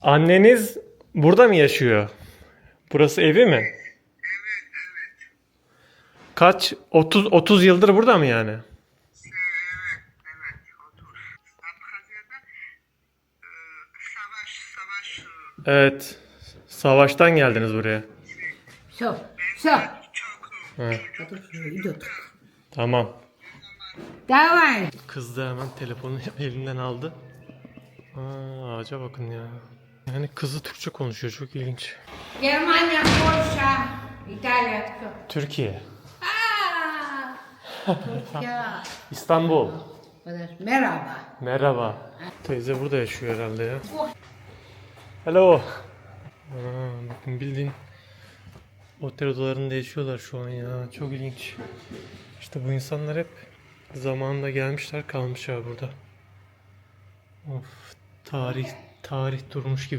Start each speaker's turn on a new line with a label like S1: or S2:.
S1: Anneniz burada mı yaşıyor? Burası evi mi? Kaç? 30 yıldır burada mı yani?
S2: Evet, otur. Abhazya'da savaş
S1: Evet. Savaştan geldiniz buraya.
S3: Все, все.
S2: çok
S1: Ha,
S3: Это уже идет.
S1: tamam.
S3: Давай.
S1: Kız da hemen telefonu elinden aldı. Ağaca bakın ya. Yani kızı Türkçe konuşuyor. Çok ilginç.
S3: Германия, Польша, Италия, все.
S1: Türkiye.
S3: Türkiye.
S1: İstanbul.
S3: Merhaba.
S1: Merhaba. Teyze burada yaşıyor herhalde ya. Hello. Bakın bildiğin otel odalarında yaşıyorlar şu an ya. Çok ilginç. İşte bu insanlar hep zamanında gelmişler kalmışlar burada. Of, tarih durmuş gibi.